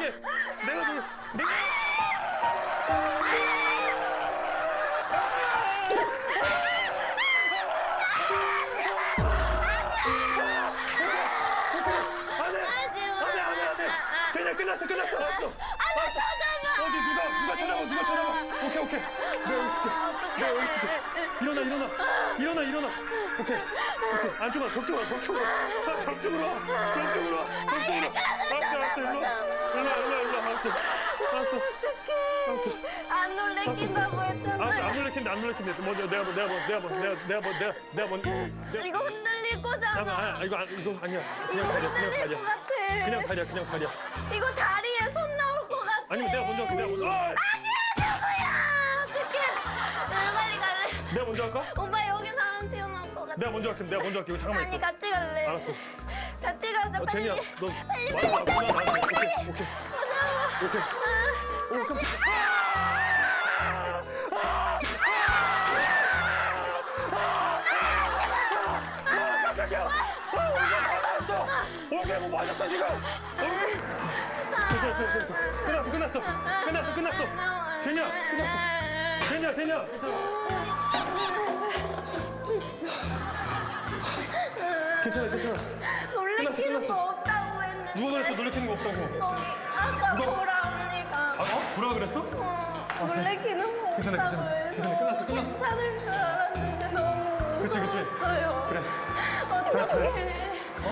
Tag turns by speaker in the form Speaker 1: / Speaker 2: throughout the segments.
Speaker 1: 놀래게. 내가 놀래. 내가. 그냥 끝났어. 알았어. 누가 쳐다봐. 오케이. 내가 여기 있을게. 일어나. 오케이. 안쪽으로 벽 쪽으로 와. 알았어. 일로 와. 알았어.
Speaker 2: 안 놀래킨다고 했잖아요.
Speaker 1: 안 놀래킨대. 먼저 내가 먼저.
Speaker 2: 이거 흔들릴 거잖아.
Speaker 1: 잠깐만, 이거 아니야.
Speaker 2: 이거 흔들릴 것 같아.
Speaker 1: 그냥 다리야.
Speaker 2: 이거 다리에 손 나올 것 같아.
Speaker 1: 아니면 내가 먼저 할게.
Speaker 2: 아니야, 누구야? 어떡해. 나 빨리 갈래.
Speaker 1: 내가 먼저 할까?
Speaker 2: 오빠 여기 사람 튀어나올 것 같아.
Speaker 1: 내가 먼저 할게. 이거 잠깐만
Speaker 2: 아니,
Speaker 1: 있어.
Speaker 2: 같이 갈래.
Speaker 1: 알았어.
Speaker 2: 같이 가자, 빨리.
Speaker 1: 제니야, 너
Speaker 2: 빨리
Speaker 1: 오케이. 오, 깜짝이야. 오케이, 뭐 맞았어 지금. 끝났어. 제니야, 끝났어. 제니야, 괜찮아.
Speaker 2: 놀래키는
Speaker 1: 끝났어.
Speaker 2: 거 없다고 했는데.
Speaker 1: 누가 그랬어? 놀래키는 거 없다고.
Speaker 2: 아까
Speaker 1: 누가?
Speaker 2: 보라 언니가.
Speaker 1: 뭐라 그랬어?
Speaker 2: 놀래키는 거
Speaker 1: 괜찮아.
Speaker 2: 없다고 해서.
Speaker 1: 끝났어.
Speaker 2: 괜찮을 줄 알았는데 너무
Speaker 1: 그치.
Speaker 2: 무서웠어요.
Speaker 1: 그래.
Speaker 2: 어떡해.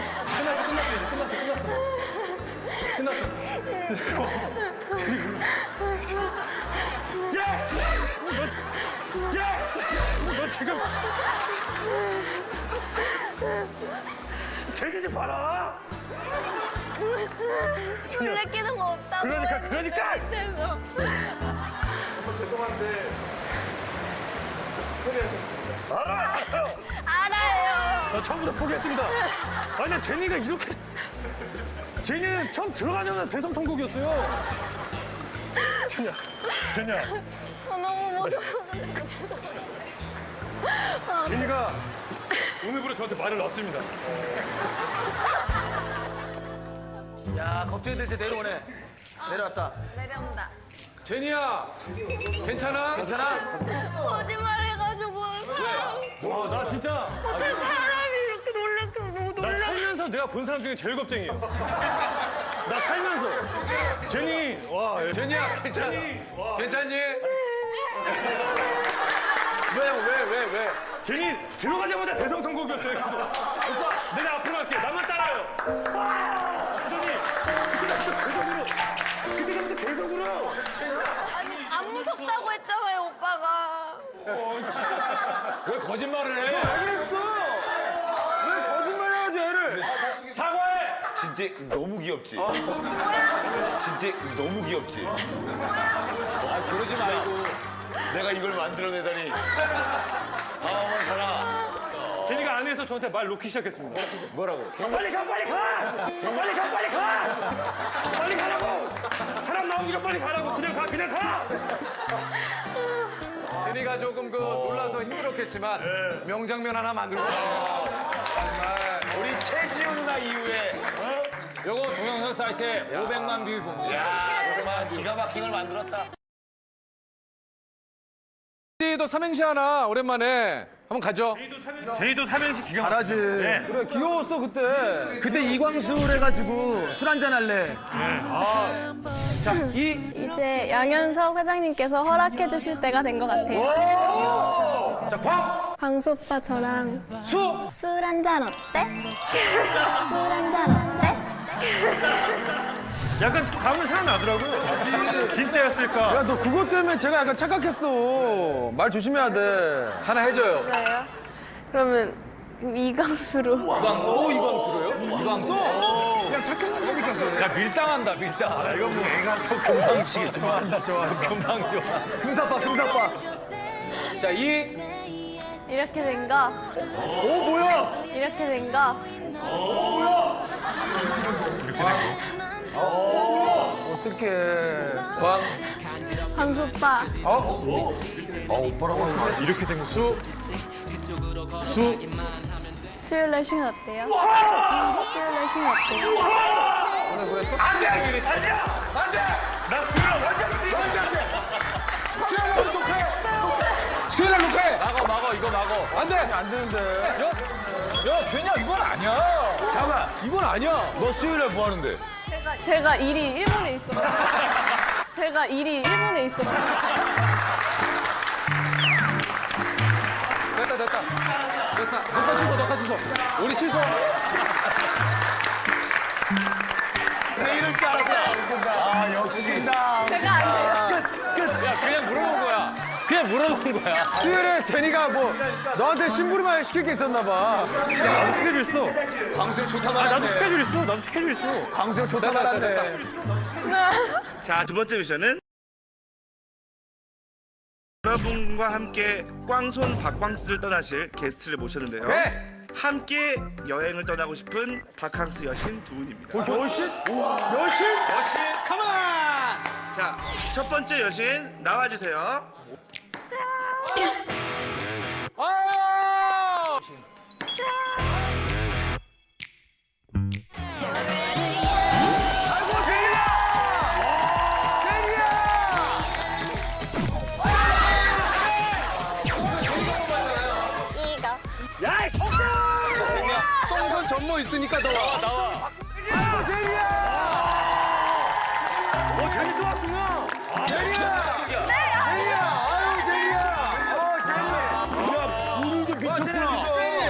Speaker 1: 끝났어. 너 지금 제기 좀 봐라.
Speaker 2: 놀래키는 거 없다고.
Speaker 1: 그러니까.
Speaker 2: 그래서.
Speaker 1: 죄송한데 포기하셨습니다.
Speaker 2: 알아요.
Speaker 1: 나 처음부터 포기했습니다. 아니, 나 제니가 이렇게. 제니는 처음 들어가자마자 대성통곡이었어요. 제니야.
Speaker 2: 너무 무서워. 죄송해요.
Speaker 1: 제니가 오늘부로 저한테 말을 넣었습니다.
Speaker 3: 야, 걱정될 때 내려오네. 내려왔다.
Speaker 2: 내려온다.
Speaker 4: 제니야, 괜찮아?
Speaker 2: 거짓말 해가지고 사람.
Speaker 1: 나 진짜.
Speaker 2: 어떻게 사람이 이렇게 놀래키면 너무
Speaker 1: 나 살면서 내가 본 사람 중에 제일 겁쟁이에요. 나 살면서. 제니, 와.
Speaker 4: 제니야, 괜찮아? 괜찮니?
Speaker 3: 왜?
Speaker 1: 제니 들어가자마자 대성통곡이었어요. 계속. 오빠, 내가 앞으로 갈게. 나만 따라요. 그때부터 계속으로.
Speaker 2: 아니 안 무섭다고 했잖아요 오빠가.
Speaker 4: 왜 거짓말을 해?
Speaker 3: 왜 거짓말해가지고 애를?
Speaker 4: 사과해!
Speaker 5: 진짜 너무 귀엽지? 진짜 너무 귀엽지? 아, 그러지 말고 내가 이걸 만들어내다니. 아, 어머, 살아.
Speaker 1: 제니가 안에서 저한테 말 놓기 시작했습니다.
Speaker 4: 뭐라고?
Speaker 1: 빨리 가! 빨리 가라고! 사람 나오기가 빨리 가라고! 그냥 가!
Speaker 4: 제니가 조금 놀라서 힘들었겠지만 명장면 하나 만들고 정말
Speaker 5: 우리 최지우 누나 이후에.
Speaker 4: 요거 동영상 사이트에 500만 뷰 봅니다.
Speaker 5: 야, 정말 기가 막힌 걸 만들었다.
Speaker 4: 제니도 삼행시 하나 오랜만에 한번 가죠.
Speaker 1: 제니도 삼행시 기가
Speaker 3: 잘하지. 그래, 귀여웠어, 그때. 그때 이광수 해가지고 술 한잔 할래.
Speaker 4: 자,
Speaker 6: 이제 양현석 회장님께서 허락해 주실 때가 된 것 같아요.
Speaker 4: 자, 광!
Speaker 6: 광수 오빠 저랑
Speaker 4: 수!
Speaker 6: 술 한잔 어때? 술 한잔 어때?
Speaker 1: 약간 감은 생각나더라고요. 진짜였을까?
Speaker 3: 야, 너 그것 때문에 제가 약간 착각했어. 말 조심해야 돼.
Speaker 4: 하나 해줘요.
Speaker 6: 그래요? 그러면 이광수로.
Speaker 4: 이광수로요? 이광수?
Speaker 3: 그냥 착각한다니까.
Speaker 4: 야, 밀당한다, 밀당.
Speaker 1: 이건 뭐 애가 더
Speaker 3: 금방지. 좋아한다.
Speaker 4: 금방 좋아.
Speaker 3: 금사빠.
Speaker 4: 자,
Speaker 6: 이렇게 된 거.
Speaker 1: 오, 뭐야?
Speaker 6: 이렇게 된 거.
Speaker 3: 어떡해.
Speaker 4: 광,
Speaker 6: 광수 오빠.
Speaker 1: 이렇게 된 거.
Speaker 6: 수요일 날 쉬면 어때요? 수요일 날 쉬면 어때요?
Speaker 4: 수현아 녹화해.
Speaker 5: 막어 이거 막어.
Speaker 4: 안 돼. 안 되는데. 야, 죄냐? 이건 아니야.
Speaker 5: 잠깐.
Speaker 4: 이건 아니야.
Speaker 5: 너 수요일에 뭐 하는데?
Speaker 6: 제가 일이 일본에 있어서. 제가 일이 일본에 있어서.
Speaker 4: 됐다. 됐어. 녹화 취소. 우리 취소.
Speaker 5: 내 이럴 줄 알았다. 아 역시.
Speaker 6: 제가 안 돼요.
Speaker 5: 그냥 물어본 거야.
Speaker 3: 수요일에 제니가 뭐 너한테 심부름을 시킬 게 있었나 봐.
Speaker 1: 나도 스케줄 있어.
Speaker 5: 광수형 좋다
Speaker 1: 나도
Speaker 5: 말았네.
Speaker 1: 스케줄 있어. 나도 스케줄 있어.
Speaker 3: 광수형 좋다 말았네.
Speaker 7: 자, 두 번째 미션은 여러분과 함께 꽝손 박광스를 떠나실 게스트를 모셨는데요.
Speaker 3: 네.
Speaker 7: 함께 여행을 떠나고 싶은 바캉스 여신 두 분입니다.
Speaker 3: 여신? 우와, 여신? 가만!
Speaker 7: 자, 첫 번째 여신 나와주세요.
Speaker 4: 똥손 전모 있으니까 나와.
Speaker 1: 재미 또 왔구나.
Speaker 5: 오늘도 미쳤구나.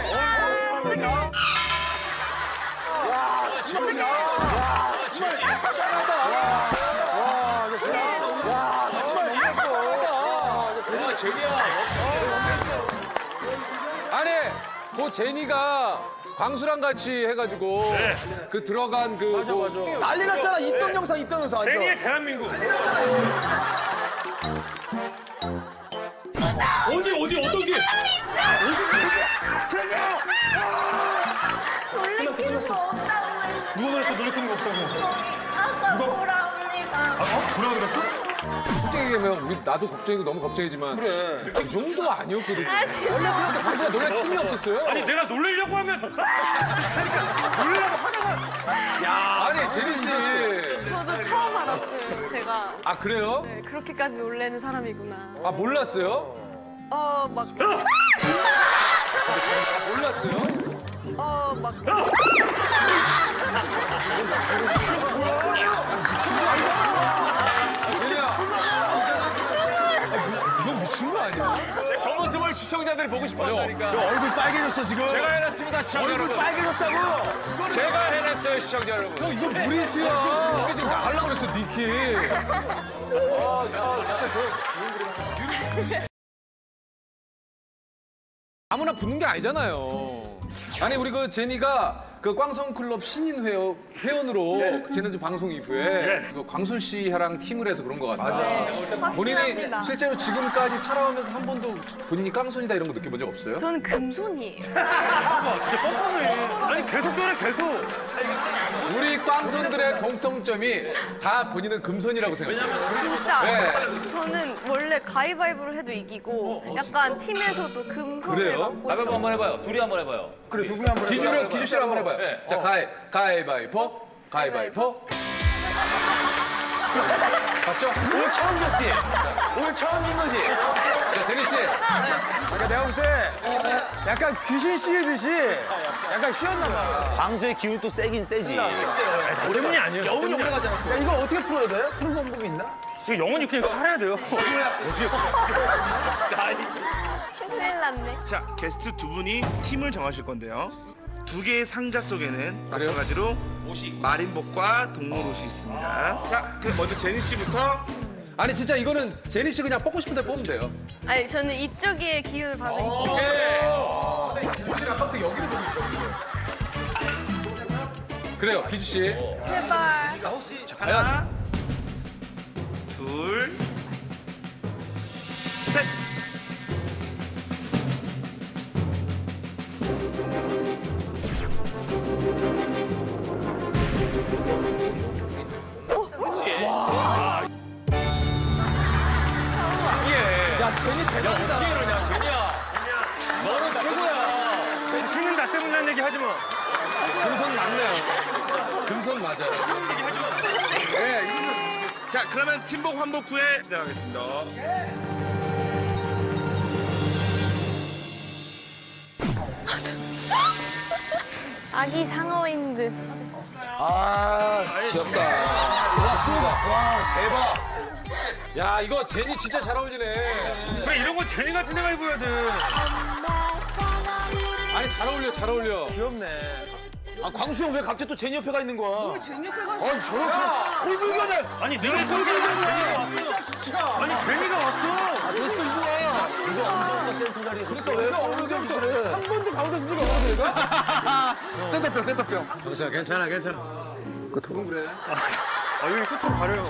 Speaker 4: 아니, 그 제니가 광수랑 같이 해가지고 그 들어간 그 맞아.
Speaker 3: 난리 났잖아. 있던 영상 완전.
Speaker 1: 제니의 대한민국. 어떤 게?
Speaker 2: 놀래키는 거 없다고 했는데
Speaker 1: 누가 그랬어? 놀래키는 거 없다고.
Speaker 2: 아까 보라 언니가
Speaker 1: 뭐라 그랬어?
Speaker 4: 솔직히 얘기하면 우리 나도 걱정이고 너무 걱정이지만 그 정도 아니었거든.
Speaker 2: 아 진짜
Speaker 4: 근데 광수가 놀랄 틈이 없었어요.
Speaker 1: 아니 내가 놀리려고 하면 놀리려고 하다가
Speaker 4: 아니 제니 씨.
Speaker 6: 저도 처음 알았어요. 제가
Speaker 4: 아 그래요?
Speaker 6: 네, 그렇게까지 놀래는 사람이구나.
Speaker 4: 아 몰랐어요?
Speaker 6: 막,
Speaker 4: 몰랐어요?
Speaker 6: 막.
Speaker 4: 제니야. 이건 미친 거 아니야?
Speaker 5: 저 모습을 시청자들이 보고 싶어한다니까.
Speaker 3: 얼굴 빨개졌어, 지금.
Speaker 5: 제가 해냈습니다, 시청자 여러분.
Speaker 3: 빨개졌다고?
Speaker 5: 제가 해냈어요, 시청자 여러분.
Speaker 4: 형 이거 무리수야. 이게 지금 나가려고 그랬어 니키. 아무나 붙는 게 아니잖아요. 아니 우리 그 제니가 그 꽝성클럽 신인 회원으로 지난주 방송 이후에 그 광순 씨랑 팀을 해서 그런 것 같다. 본인이
Speaker 6: 확신합니다.
Speaker 4: 실제로 지금까지 살아오면서 한 번도 본인이 꽝손이다 이런 거 느껴본 적 없어요?
Speaker 6: 저는 금손이에요.
Speaker 1: 진짜 뻔뻔해. 아니 계속 저래 계속.
Speaker 4: 우리 꽝손들의 공통점이 다 본인은 금손이라고 생각해요.
Speaker 6: 진짜.
Speaker 4: 네.
Speaker 6: 저는 원래 가위바위보를 해도 이기고 약간 팀에서도 금손을
Speaker 4: 그래요?
Speaker 6: 맡고
Speaker 5: 가위바위보
Speaker 6: 있어요.
Speaker 5: 한번 해봐요. 둘이 한번 해봐요.
Speaker 3: 그래, 두 분이 한번
Speaker 4: 기주 씨랑 한번 해봐요.
Speaker 5: 네.
Speaker 4: 자, 가위바위보. 봤죠?
Speaker 3: 오늘 처음 봤지? 오늘 처음 본 거지?
Speaker 4: 자, 제니 씨.
Speaker 3: 그러니까 내가 볼 때 약간 귀신 씌우듯이 약간 쉬었나 봐.
Speaker 5: 광수의 기운이 또 세긴 세지.
Speaker 1: 때문이 아니에요.
Speaker 3: 여운이 오래 가잖아. 야, 이거 어떻게 풀어야 돼? 푸는 방법이 있나?
Speaker 1: 지금 영원히 그냥 살아야 돼요.
Speaker 6: 큰일 났네.
Speaker 7: 자, 게스트 두 분이 팀을 정하실 건데요. 두 개의 상자 속에는 마찬가지로 마린복과 동물 옷이 있습니다. 자, 그럼 먼저 제니 씨부터.
Speaker 4: 아니, 진짜 이거는 제니 씨 그냥 뽑고 싶은 데 뽑으면 돼요.
Speaker 6: 아니 저는 이쪽에 기운을 봐서 이쪽.
Speaker 4: 기주 씨는 아까부터 여기를 보고 있거든요. 그래요, 기주 씨.
Speaker 6: 제발.
Speaker 7: 하나, 둘, 셋.
Speaker 5: 너는 최고야.
Speaker 1: 신은 나 때문이라는 얘기 하지 마.
Speaker 4: 금손 맞네요. 금손 맞아요. 네, 이거는
Speaker 7: 자, 그러면 팀복 환복 후에 진행하겠습니다.
Speaker 6: 아기 상어인 듯.
Speaker 5: 아, 귀엽다. 와, 대박.
Speaker 4: 야, 이거 제니 진짜 잘 어울리네.
Speaker 1: 왜 이런 건 제니가 진행해 입어야 돼.
Speaker 4: 아니, 잘 어울려, 잘 어울려.
Speaker 3: 귀엽네.
Speaker 5: 아, 광수 형 왜 갑자기 또 제니 옆에 가 있는 거야? 왜 제니 옆에 가? 아니, 저렇게. 꼴불견을.
Speaker 1: 아니 내가 꼴불견을. 아니 제니가 왔어.
Speaker 5: 됐어, 이거야. 이거 엉덩이 센터 자리에. 그러니까 왜 꼴불견 짓을 해?
Speaker 3: 한 번도 가운데 쓴 적이 없어 내가?
Speaker 4: 센터병, 센터병.
Speaker 3: 괜찮아.
Speaker 1: 아 여기 끝으로 가려요.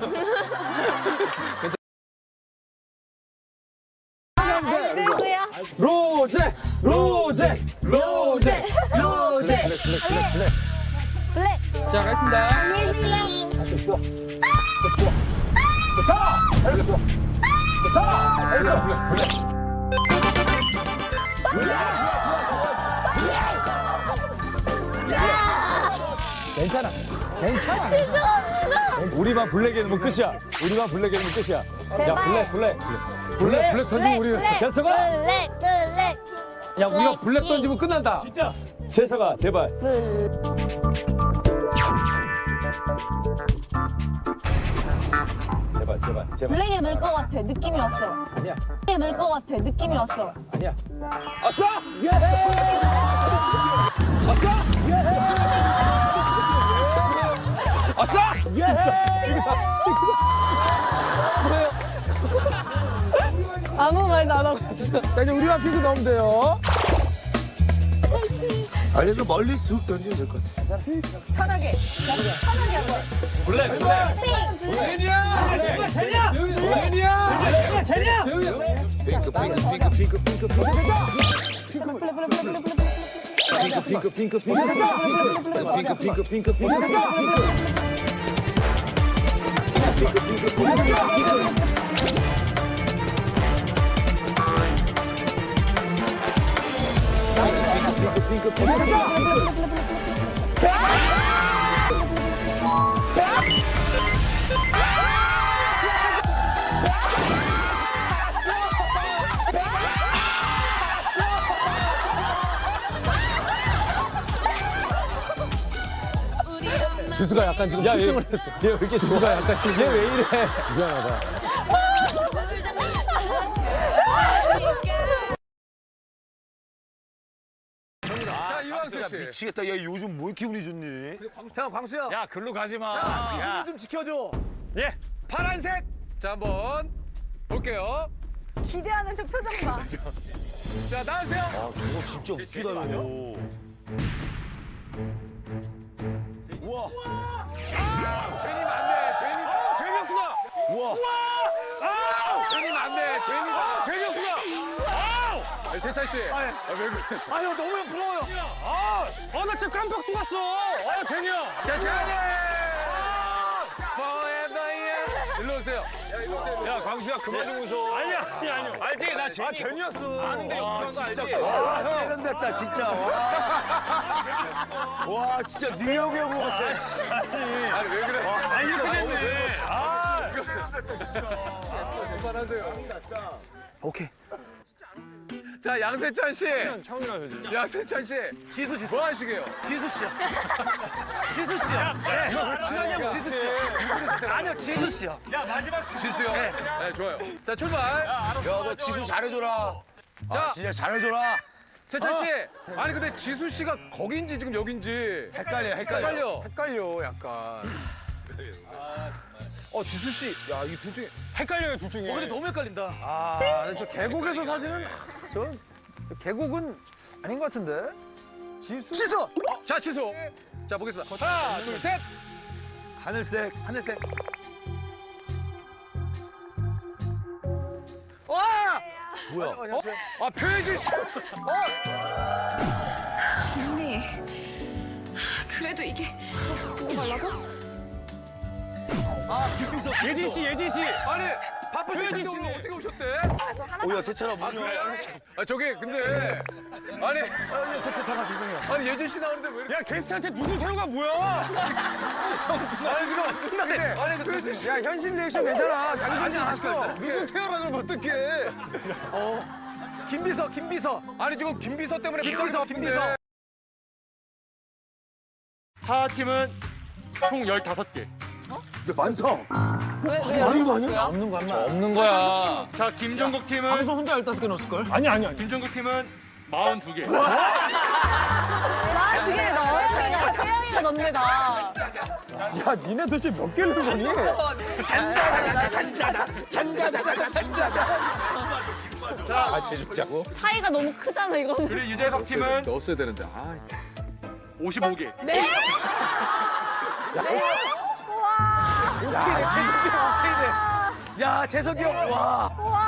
Speaker 2: 누구야?
Speaker 5: 로제! 로제! 로제! 로제!
Speaker 2: 블랙.
Speaker 3: 자, 가겠습니다.
Speaker 2: 안녕히 계세요.
Speaker 5: 됐어. 됐어. 좋다! 알겠어. 좋다! 알겠어.
Speaker 3: 괜찮아. 우리만 블랙에 넣으면 끝이야. 우리만 블랙에 넣으면 끝이야. 야, 블랙 던지면 우리 재석아.
Speaker 2: 블랙.
Speaker 3: 야, 우리가 블랙 던지면 끝난다. 진짜. 재석아, 제발. 제발.
Speaker 8: 블랙에 넣을 것 같아. 느낌이 왔어.
Speaker 3: 아니야.
Speaker 8: 블랙에 넣을 것 같아. 느낌이 왔어.
Speaker 3: 아니야.
Speaker 5: 아싸! 예! 아싸! 예! 아싸!
Speaker 8: 아무 말도 안 하고.
Speaker 3: 자, 이제 우리만 핑크 넣으면 돼요.
Speaker 5: 알려줘 멀리 쑥 던지면 될 것 같아.
Speaker 8: 편하게. 편하게 한 거야.
Speaker 4: 제니야!
Speaker 3: 지수가 약간 지금 실성을 했어. 얘 왜 이렇게 지수가 약간 지금 얘 왜 이래? 미안하다.
Speaker 4: 자, 이광수 씨.
Speaker 5: 미치겠다. 얘 요즘 뭐 이렇게 운이 좋니?
Speaker 3: 형, 광수야.
Speaker 4: 야, 글로 가지 마.
Speaker 3: 지수 좀 지켜줘.
Speaker 4: 예, 파란색. 자, 한번 볼게요.
Speaker 8: 기대하는 저 표정 봐.
Speaker 4: 자, 나오세요.
Speaker 5: 아, 저거 진짜 웃기다, 이거. 우와.
Speaker 4: 제니 맞네. 제니였구나.
Speaker 5: 우와.
Speaker 4: 제니 맞네. 제니였구나. 세찬 씨. 왜 그래?
Speaker 3: 아유, 너무 부러워요.
Speaker 1: 나 진짜 깜빡 속았어. 아 제니야.
Speaker 4: 자, 제니. Forever young. 일로 오세요. 야, 광수야, 그만 좀 웃어.
Speaker 1: 아니요.
Speaker 4: 알지? 나 제니.
Speaker 1: 제니였어.
Speaker 4: 아는데 욕하는 거 알지?
Speaker 5: 이런 됐다, 진짜. 와, 진짜 뉴욕 형 같아.
Speaker 4: 아니, 왜 그래?
Speaker 1: 아니 이렇게 됐네.
Speaker 4: 그만하세요.
Speaker 5: 오케이.
Speaker 4: 자, 양세찬 씨.
Speaker 1: 처음이라서 진짜.
Speaker 4: 양세찬 씨.
Speaker 1: 지수.
Speaker 4: 뭐 하시게요?
Speaker 1: 지수 씨야. 친하냐고 지수 씨. 아니요 지수 씨야.
Speaker 4: 지수요? 네, 좋아요. 자, 출발.
Speaker 5: 야, 너 지수 잘해줘라.
Speaker 4: 자.
Speaker 5: 진짜 잘해줘라.
Speaker 4: 세찬 씨. 아니, 근데 지수 씨가 거긴지 지금 여긴지.
Speaker 5: 헷갈려.
Speaker 3: 헷갈려, 약간. 지수 씨. 야, 이 둘 중에.
Speaker 1: 헷갈려요 둘 중에.
Speaker 3: 근데 너무 헷갈린다. 근데 저 계곡에서 사실은 저 계곡은 아닌 것 같은데. 지수.
Speaker 4: 자, 지수. 자, 보겠습니다. 하나, 둘, 셋.
Speaker 5: 하늘색.
Speaker 3: 하늘색.
Speaker 5: 뭐야?
Speaker 4: 아, 표현실 씨.
Speaker 8: 언니. 그래도 이게 보고 말라고?
Speaker 1: 예진 씨.
Speaker 4: 아니, 바쁘신 텐데 오늘 어떻게 오셨대?
Speaker 5: 오야 세찬아 문 열어.
Speaker 4: 아 저기 근데 아니 잠깐 죄송해요. 아니 예준 씨 나오는데 왜 이렇게
Speaker 1: 야 게스트한테 누구세요가 뭐야?
Speaker 4: 아니 지금 안 끝나게. 아니 그
Speaker 3: 야 현실 리액션 괜찮아. 자기
Speaker 4: 아니
Speaker 3: 봤어.
Speaker 5: 누구세요라 그러면 어떡해?
Speaker 3: 김비서.
Speaker 4: 아니 지금 김비서 때문에
Speaker 3: 김비서.
Speaker 9: 하하팀은 총 15개.
Speaker 5: 근데 많다.
Speaker 4: 없는 거야.
Speaker 9: 자, 김종국 팀은
Speaker 3: 방송 혼자 15개 넣었을걸?
Speaker 1: 아니.
Speaker 9: 김종국 팀은 42개.
Speaker 8: 아, 두개 넣어야 세영이가 넘니다.
Speaker 3: 야 니네 도대체 몇 개를 거니?
Speaker 8: 차이가 너무 크잖아, 이거는.
Speaker 9: 그리고 유재석 팀은
Speaker 4: 넣었어야 되는데. 아.
Speaker 9: 55개.
Speaker 3: 야 재석이 형 와.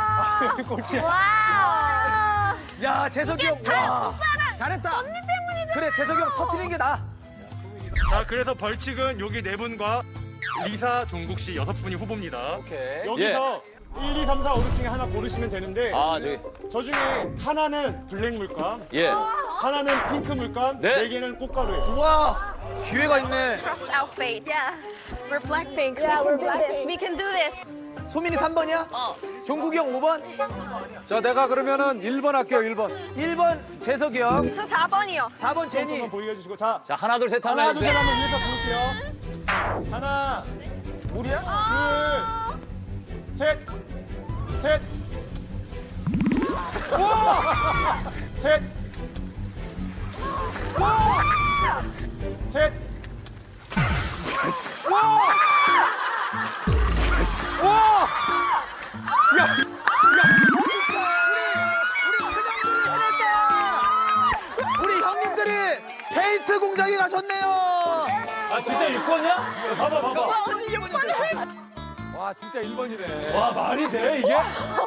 Speaker 2: 와.
Speaker 3: 야 재석이 형 와. 잘했다. 언니 때문이잖아. 그래 재석이 형 터트린 게 나.
Speaker 9: 자, 그래서 벌칙은 여기 4분과 리사, 종국 씨 6분이 후보입니다.
Speaker 4: 오케이.
Speaker 1: 여기서 1, 2, 3, 4, 5, 6 중에 하나 고르시면 되는데
Speaker 4: 아 저기.
Speaker 1: 저 중에 하나는 블랙 물감,
Speaker 4: 예.
Speaker 1: 하나는 핑크 물감,
Speaker 4: 네.
Speaker 1: 4개는 꽃가루예요.
Speaker 3: 와 기회가 있네.
Speaker 2: Trust our fate. Yeah.
Speaker 8: We're Blackpink.
Speaker 2: Yeah, we're Blackpink.
Speaker 8: We can do this.
Speaker 3: 소민이 3번이야? 종국이 형 5번?
Speaker 4: 자 내가 그러면은 1번 할게요 1번.
Speaker 3: 1번 재석이 형.
Speaker 8: 저 4번이요.
Speaker 3: 4번 제니.
Speaker 1: 한번 보이게 해주시고 자
Speaker 4: 자 하나 둘 셋 하면
Speaker 1: 하나 둘
Speaker 4: 해주세요.
Speaker 1: 셋 하면 위에서 부를게요. 하나,
Speaker 3: 우리야?
Speaker 1: 둘, 셋, 셋, 셋, 셋.
Speaker 3: 우리 형님들이 페인트 공장에 가셨네요.
Speaker 4: 아 진짜 6번이야? 봐봐. 와 진짜 1번이네.
Speaker 1: 와 말이 돼 이게?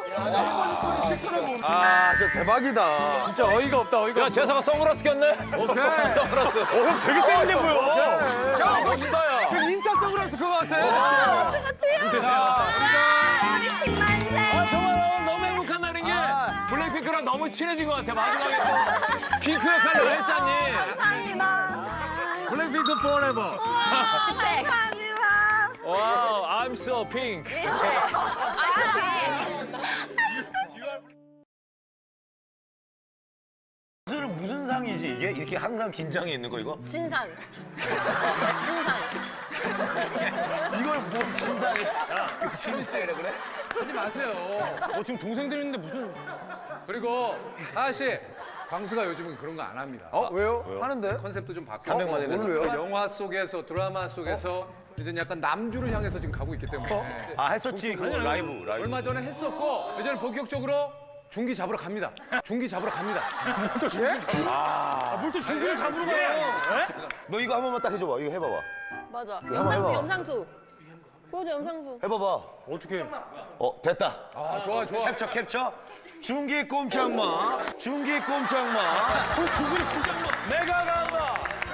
Speaker 3: 아 진짜 대박이다.
Speaker 4: 진짜 어이가 없다 어이가. 야 재석아 선글라스 꼈네. 오케이. 선글라스.
Speaker 1: 형 되게 세련돼 보여.
Speaker 4: 야 멋있다 야.
Speaker 3: 그 인싸 선글라스 그거 같아.
Speaker 2: 우리 팀 만세.
Speaker 4: 아 정말 너무 행복한다는 게 블랙핑크랑 너무 친해진 것 같아. 마지막에 또 핑크 역할을 왜 했잖니.
Speaker 2: 감사합니다.
Speaker 4: 블랙핑크 forever.
Speaker 2: 감사합니다.
Speaker 4: 와우, I'm so pink.
Speaker 5: 무슨 상이지 이게? 이렇게 항상 긴장이 있는 거 이거?
Speaker 8: 진상.
Speaker 5: 이걸 뭐 진상이야? 이거 진실이래 그래?
Speaker 4: 하지 마세요.
Speaker 1: 지금 동생들 있는데 무슨?
Speaker 4: 그리고 하하 씨, 광수가 요즘은 그런 거 안 합니다.
Speaker 3: 왜요? 하는데?
Speaker 4: 컨셉도 좀 바꾸고.
Speaker 5: 300만 원이네.
Speaker 3: 오늘 왜요?
Speaker 4: 영화 속에서 드라마 속에서 이제 약간 남주를 향해서 지금 가고 있기 때문에
Speaker 5: 아 했었지 그거 라이브.
Speaker 4: 얼마 전에 했었고 이제는 본격적으로 중기 잡으러 갑니다. 중기 잡으러 갑니다.
Speaker 1: 뭘 또 중기를 잡으러 가요?
Speaker 5: 너 이거 한 번만 딱 해줘봐. 이거 해봐봐.
Speaker 8: 맞아.
Speaker 5: 한번 해봐.
Speaker 8: 염상수. 보여줘, 염상수.
Speaker 5: 해봐봐.
Speaker 1: 어떻게?
Speaker 5: 됐다.
Speaker 4: 아 좋아 좋아.
Speaker 5: 캡처. 중기 꼼짝마. 중기 꼼짝마.
Speaker 4: 내가 간다.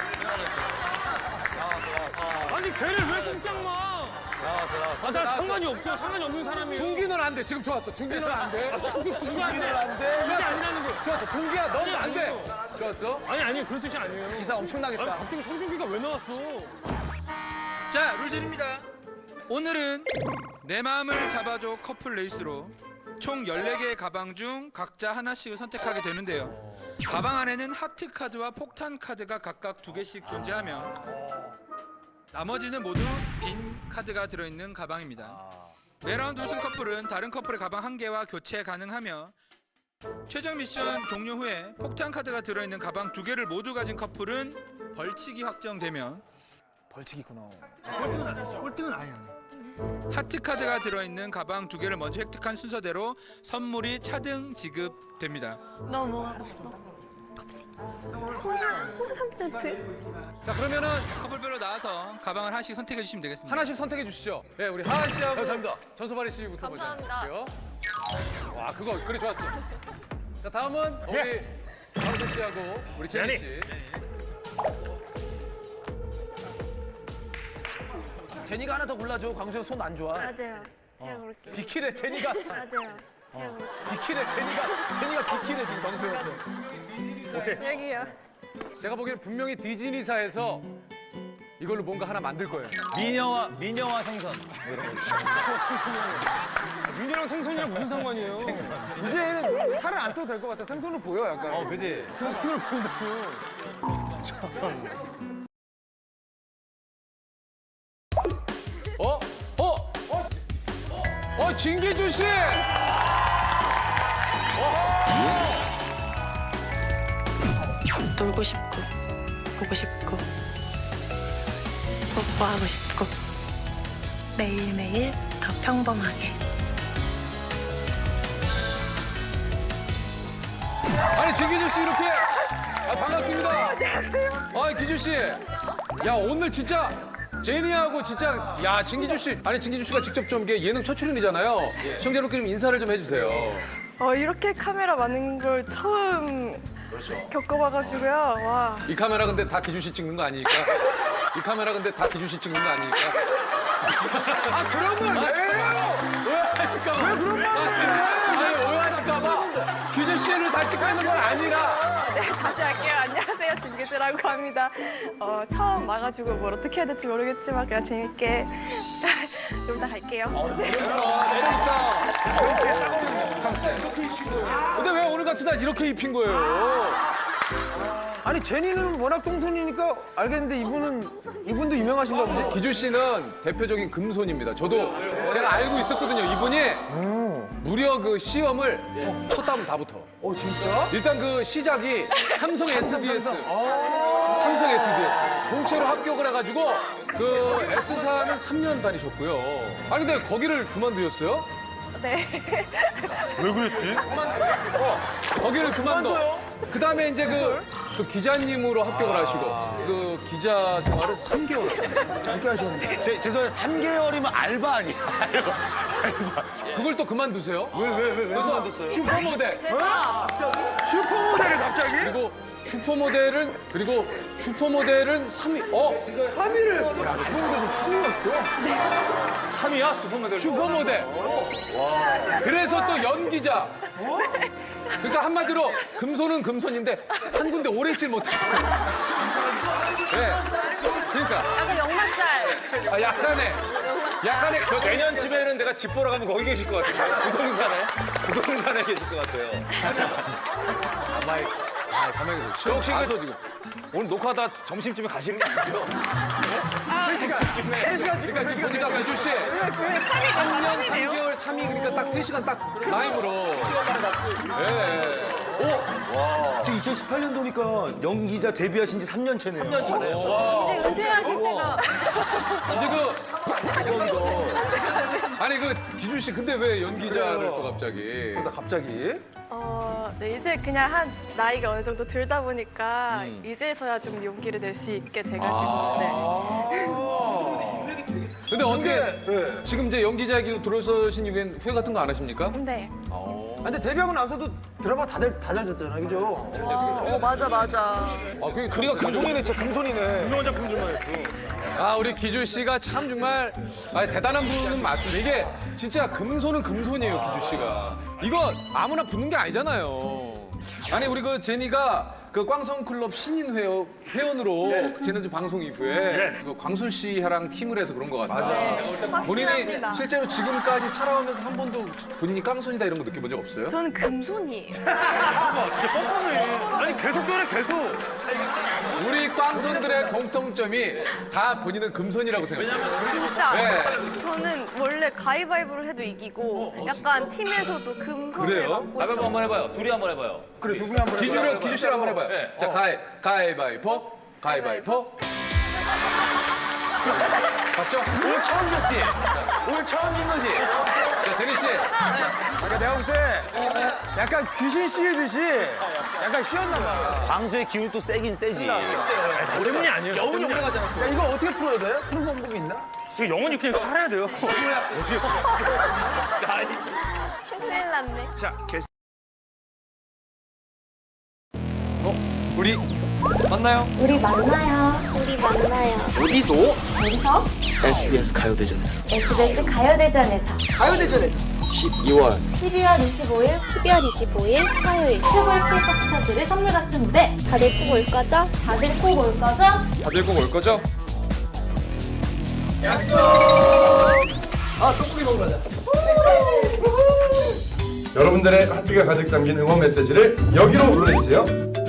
Speaker 1: 아니 걔를 왜 꼼짝마? 아, 나 상관이 없어. 상관이 없는 사람이에요.
Speaker 4: 중기는 안 돼. 지금 좋았어. 중기는 안 돼.
Speaker 1: 중기 안 돼. 중기 아니라는 거.
Speaker 4: 좋았어. 중기야 너는 안 돼. 좋았어.
Speaker 1: 아니 그런 뜻이 아니에요.
Speaker 3: 기사 엄청나겠다.
Speaker 1: 아니, 갑자기 성준기가 왜 나왔어?
Speaker 10: 자, 룰들입니다. 오늘은 내 마음을 잡아줘 커플 레이스로 총 14개의 가방 중 각자 하나씩을 선택하게 되는데요. 가방 안에는 하트 카드와 폭탄 카드가 각각 2개씩 존재하며 나머지는 모두 빈 카드가 들어있는 가방입니다. 매라운드 우승 커플은 다른 커플의 가방 1개와 교체 가능하며 최종 미션 종료 후에 폭탄 카드가 들어있는 가방 2개를 모두 가진 커플은 벌칙이 확정되면
Speaker 3: 벌칙 있구나.
Speaker 1: 꼴등은 아니야.
Speaker 10: 하트 카드가 들어있는 가방 2개를 먼저 획득한 순서대로 선물이 차등 지급됩니다.
Speaker 8: 너무 하고 싶어.
Speaker 4: 자 그러면은
Speaker 10: 커플별로 나와서 가방을 하나씩 선택해 주시면 되겠습니다.
Speaker 4: 하나씩 선택해 주시죠. 네 우리 하하 씨하고
Speaker 5: 감사합니다.
Speaker 4: 전소바리 씨부터 보자.
Speaker 8: 감사합니다.
Speaker 4: 그래요? 와 그거 그래 좋았어. 자 다음은 우리 광수 씨하고 우리 제니 씨.
Speaker 3: 제니가 하나 더 골라줘. 광수 형 손 안 좋아.
Speaker 2: 맞아요. 제가 볼게요.
Speaker 5: 비키래 제니가
Speaker 2: 맞아요. 제가 볼게요.
Speaker 5: 비키래 제니가 비키래 지금 방송에서.
Speaker 8: 여기요.
Speaker 4: 제가 보기에는 분명히 디즈니사에서 이걸로 뭔가 하나 만들 거예요.
Speaker 5: 미녀와 생선.
Speaker 1: 민이랑 생선이랑 무슨 상관이에요?
Speaker 3: 이제는 살을 안 써도 될 것 같아. 생선으로 보여 약간.
Speaker 5: 그지.
Speaker 3: 생선으로 보인다고.
Speaker 4: 진기준 씨!
Speaker 6: 놀고 싶고, 보고 싶고, 뽀뽀하고 싶고, 매일매일 더 평범하게.
Speaker 4: 아니 진기준 씨 이렇게 반갑습니다. 안녕하세요. 아 기준 씨, 야 오늘 진짜 제니하고 진짜 야 진기준 씨, 아니 진기준 씨가 직접 좀 이게 예능 첫 출연이잖아요. 시청자 여러분께 좀 인사를 좀 해주세요.
Speaker 8: 이렇게 카메라 많은 걸 처음 겪어봐가지고요. 와.
Speaker 4: 이 카메라 근데 다 기준 씨 찍는 거 아니니까? 이 카메라 근데 다 기준 씨 찍는 거 아니니까?
Speaker 3: 그러면 왜요?
Speaker 4: 오해하실까봐. 왜 그런 말을 아니 오해하실까봐 기준 씨를 다 찍고 있는 건 아니라.
Speaker 8: 네, 다시 할게요. 안녕하세요. 진기수라고 합니다. 처음 와가지고 뭘 어떻게 해야 될지 모르겠지만 그냥 재밌게 놀다 갈게요.
Speaker 4: 근데 왜 오늘 같은 날 이렇게 입힌 거예요?
Speaker 3: 아니 제니는 워낙 똥손이니까 알겠는데 이분도 유명하신가 보지?
Speaker 4: 기준 씨는 대표적인 금손입니다. 저도 제가 알고 있었거든요. 이분이 무려 그 시험을 쳤다면 다 붙어.
Speaker 3: 진짜?
Speaker 4: 일단 그 시작이 삼성 SDS. 삼성 SDS. 공채로 합격을 해가지고 그 S사는 3년 다니셨고요. 아니 근데 거기를 그만두셨어요?
Speaker 8: 네.
Speaker 1: 왜 그랬지?
Speaker 4: 거기를 그만둬. 그 다음에 이제 그 기자님으로 합격을 하시고 그 기자 생활을 3개월
Speaker 3: 짧게 하셨는데.
Speaker 5: 죄송해요. 3개월이면 알바 아니야?
Speaker 4: 그걸 또 그만두세요.
Speaker 5: 왜
Speaker 4: 그래서
Speaker 5: 그만뒀어요?
Speaker 4: 슈퍼모델
Speaker 3: 슈퍼모델을 갑자기?
Speaker 4: 그리고 슈퍼모델은 3위.
Speaker 3: 3위를. 야, 슈퍼모델도 3위였어?
Speaker 5: 3위야? 슈퍼모델.
Speaker 4: 슈퍼모델. 그래서 또 연기자. 그러니까 한마디로 금손은 금손인데 한 군데 오래 있질 못했어요. 네. 그러니까
Speaker 2: 약간 역마살.
Speaker 4: 약간의
Speaker 5: 저 내년쯤에는 내가 집 보러 가면 거기 계실 것 같아요. 부동산에 계실 것 같아요.
Speaker 4: 가만히 계세요. 혹시 가서 지금
Speaker 5: 오늘 녹화하다 점심쯤에 가시는 거 아니죠? 점심쯤에.
Speaker 4: 그러니까 지금 보니까 기준 씨 3년 3개월 3위 그러니까 딱 3시간 딱 라임으로.
Speaker 5: 지금 2018년도니까 연기자 데뷔하신 지 3년 차네요. 3년 차네요.
Speaker 2: 이제 은퇴하실 때가.
Speaker 4: 이제 아니 그 기준 씨 근데 왜 연기자를 또 갑자기?
Speaker 8: 네, 이제 그냥 한 나이가 어느 정도 들다 보니까 이제서야 좀 용기를 낼 수 있게 돼가지고. 네.
Speaker 4: 근데 어떻게 지금 이제 연기자 길로 들어서신 이후엔 후회 같은 거 안 하십니까?
Speaker 8: 네.
Speaker 3: 근데 데뷔하고 나서도 드라마 다 잘 됐잖아, 그죠?
Speaker 8: 맞아.
Speaker 5: 그리가 금손이네, 진짜 금손이네.
Speaker 1: 유명한 작품들만 했어.
Speaker 4: 아 우리 기준 씨가 참 정말 대단한 분은 맞습니다. 이게 진짜 금손은 금손이에요, 기준 씨가. 이거 아무나 붙는 게 아니잖아요. 아니 우리 그 제니가 그 꽝성클럽 신인 회원으로 지난주 방송 이후에 그 광순 씨랑 팀을 해서 그런 것 같아요. 본인이
Speaker 8: 확신합니다.
Speaker 4: 실제로 지금까지 살아오면서 한 번도 본인이 꽝손이다 이런 거 느껴본 적 없어요?
Speaker 8: 저는 금손이에요.
Speaker 1: 진짜 뻔뻔해. 아니 계속 저래 계속.
Speaker 4: 우리 꽝손들의 공통점이 다 본인은 금손이라고 생각해요.
Speaker 8: 진짜.
Speaker 4: 네.
Speaker 8: 저는 원래 가위바위보를 해도 이기고 약간 팀에서도 금손을
Speaker 4: 그래요?
Speaker 8: 맡고 있어요.
Speaker 5: 한번 해봐요. 둘이 한번 해봐요.
Speaker 3: 그래, 두 분이 한번
Speaker 4: 기준 씨랑 한번 해봐요.
Speaker 5: 네.
Speaker 4: 자, 가위바위보. 봤죠?
Speaker 5: 오늘 처음 봤지? 오늘 처음 본 거지?
Speaker 4: 자, 제니 씨.
Speaker 3: 그러니까 내가 볼 때 약간 귀신 씌우듯이 약간 쉬었나 봐.
Speaker 5: 광수의 기운이 또 세긴 세지.
Speaker 1: 때문이 아니에요.
Speaker 5: 여운이 오래 가잖아.
Speaker 3: 야, 이거 어떻게 풀어야 돼? 푸는 방법이 있나?
Speaker 1: 지금 영원히 그냥 살아야 돼요.
Speaker 8: 큰일 났네.
Speaker 7: 자, 게스트
Speaker 3: 우리 만나요.
Speaker 2: 우리 만나요. 우리 만나요.
Speaker 5: 어디서?
Speaker 2: 어디서?
Speaker 5: SBS 가요대전에서.
Speaker 2: SBS 가요대전에서.
Speaker 5: 가요대전에서. 12월.
Speaker 2: 12월 25일, 12월 25일 화요일 최고의 K-pop 스타들의 선물 같은 무대. 다들 꼭 올 거죠? 다들 꼭 올 거죠?
Speaker 4: 다들 꼭 올 거죠?
Speaker 3: 아 떡볶이 먹으러 가자.
Speaker 11: 여러분들의 하트가 가득 담긴 응원 메시지를 여기로 보내주세요.